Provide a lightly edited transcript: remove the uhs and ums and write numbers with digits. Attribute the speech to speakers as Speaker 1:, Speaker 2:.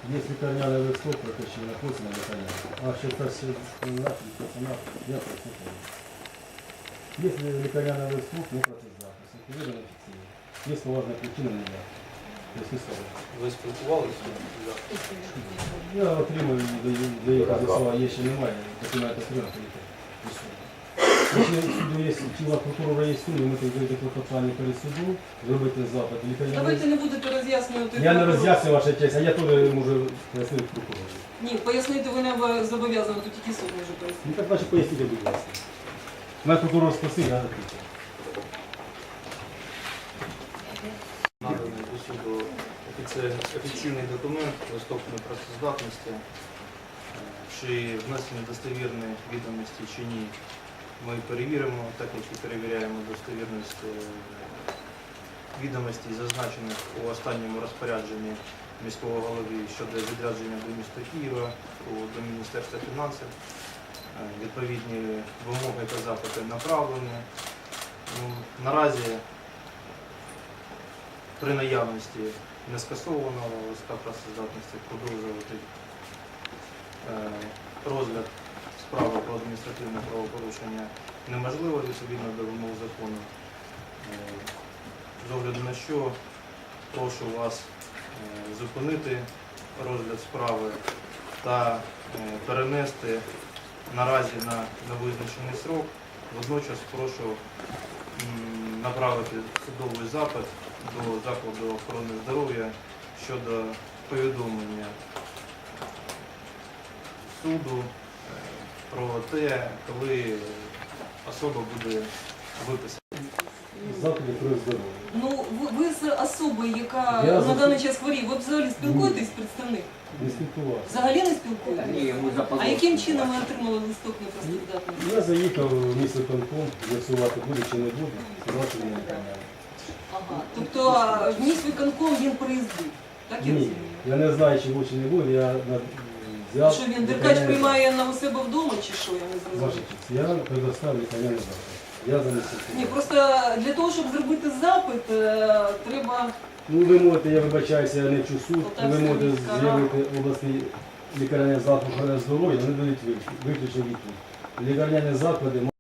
Speaker 1: Є лікарняний листок, про те, що написано лікарняне. А що це все наші, я прослухаю. Є лікарняний листок, не процес запису. Видано офіційно. Є поважна причина, не я.
Speaker 2: Ви спілкувалися?
Speaker 1: Я отримую, де їх адреса є, ще немає, документи отримати. Якщо суду є, тіла прокурора реєструє, ми тоді клопотання перед судом, зробити запит.
Speaker 3: Давайте не будете роз'яснювати.
Speaker 1: Я не роз'яснюю, ваша честь, а я теж можу пояснити прокурору.
Speaker 3: Ні, пояснити ви не зобов'язані, тут тільки суд може пояснити.
Speaker 1: Ну так, значить, поясніть, будь ласка. Мене прокурор спросив, я відповідаю.
Speaker 2: Наданий до суду офіційний документ, листок непрацездатності, чи внесені достовірні відомості чи ні. Ми перевіримо, так як і перевіряємо достовірність відомостей, зазначених у останньому розпорядженні міського голови щодо відрядження до міста Києва, до Міністерства фінансів. Відповідні вимоги та запити направлені. Наразі при наявності нескасованого листа працездатності продовжувати розгляд справи про адміністративне правопорушення неможливо відповідно до вимог закону. З огляду на що прошу вас зупинити розгляд справи та перенести наразі на невизначений срок. Водночас прошу направити судовий запит до закладу охорони здоров'я щодо повідомлення суду про те, коли особа буде виписана.
Speaker 1: Заклади про здоров'я.
Speaker 3: Ну, ви з особою, яка
Speaker 1: Я
Speaker 3: на даний час хворіє, ви взагалі спілкуєтесь з представником?
Speaker 1: Не спілкувався.
Speaker 3: Взагалі не спілкуєтесь?
Speaker 4: Ні, ми
Speaker 3: А
Speaker 4: запозорили.
Speaker 3: яким чином ви отримали листок непрацездатності?
Speaker 1: Я заїхав в місто Конком, з'ясувати буде чи не буде, сказати мені лікарняне.
Speaker 3: Ага. Тобто в міськвиконком він приїздив, так я
Speaker 1: Ні,
Speaker 3: розумію?
Speaker 1: я не знаю, чи буде, чи не буде, я взяв...
Speaker 3: Що він, Деркач
Speaker 1: лікарняне
Speaker 3: приймає на у себе вдома чи що, я не
Speaker 1: запит.
Speaker 3: зрозумію?
Speaker 1: Ваша честь, я предоставив лікарняний запит. Я занесу.
Speaker 3: Ні, просто для того, щоб зробити запит, треба...
Speaker 1: Ну, ви можете, я вибачаюся, я не вчу суд,
Speaker 3: Полтавська
Speaker 1: ви можете
Speaker 3: міська
Speaker 1: з'явити обласний лікарняний заклад охорони здоров'я, вони дають виключно відповідь. Лікарняні заклади